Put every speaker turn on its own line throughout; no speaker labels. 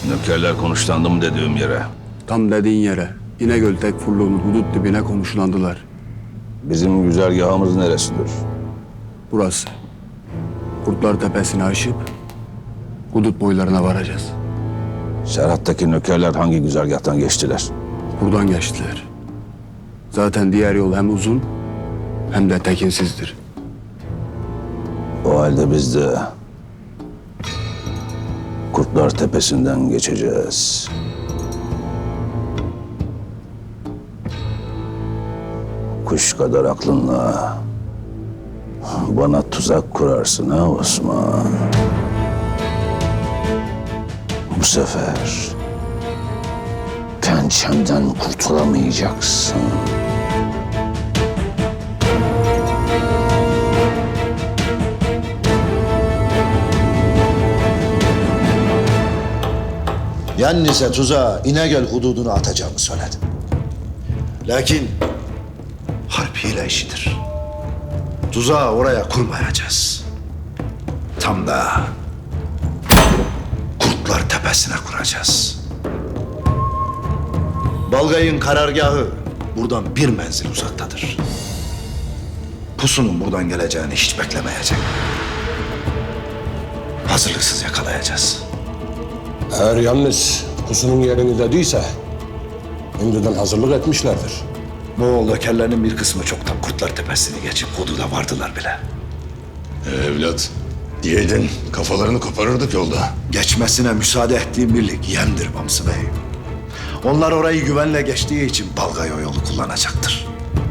Nökerler konuşlandı mı dediğim yere?
Tam dediğin yere. İnegöl Tekfurlu'nun hudut dibine konuşlandılar.
Bizim güzergahımız neresidir?
Burası. Kurtlar Tepesi'ni aşıp hudut boylarına varacağız.
Serhat'taki nökerler hangi güzergahtan geçtiler?
Buradan geçtiler. Zaten diğer yol hem uzun hem de tekinsizdir.
O halde biz de Kurtlar Tepesi'nden geçeceğiz. Kuş kadar aklınla bana tuzak kurarsın ha Osman. Bu sefer pençemden kurtulamayacaksın.
Yannise tuzağa İnegöl hududunu atacağımı söyledim. Lakin harp hile işidir. Tuzağı oraya kurmayacağız. Tam da Kurtlar Tepesi'ne kuracağız. Balgay'ın karargahı buradan bir menzil uzaktadır. Pusunun buradan geleceğini hiç beklemeyecek. Hazırlıksız yakalayacağız.
Eğer yalnız pusunun yerini dediyse önceden hazırlık etmişlerdir.
Moğol nökerlerinin bir kısmı çoktan Kurtlar Tepesi'ni geçip hududa vardılar bile.
Evlat, diyeydin kafalarını koparırdık yolda.
Geçmesine müsaade ettiğim birlik Yem'dir Bamsı Bey. Onlar orayı güvenle geçtiği için Balgay o yolu kullanacaktır.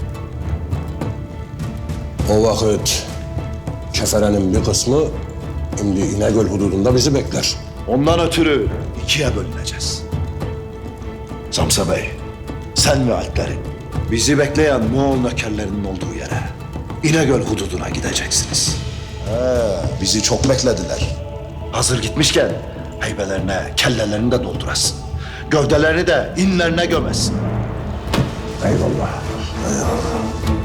O vakit keferenin bir kısmı şimdi İnegöl hududunda bizi bekler.
Ondan ötürü ikiye bölüneceğiz. Samsa Bey, sen ve alplerin bizi bekleyen Moğol nökerlerinin olduğu yere İnegöl hududuna gideceksiniz. Bizi çok beklediler. Hazır gitmişken heybelerine kellelerini de doldurasın. Gövdelerini de inlerine gömesin.
Eyvallah.
Eyvallah.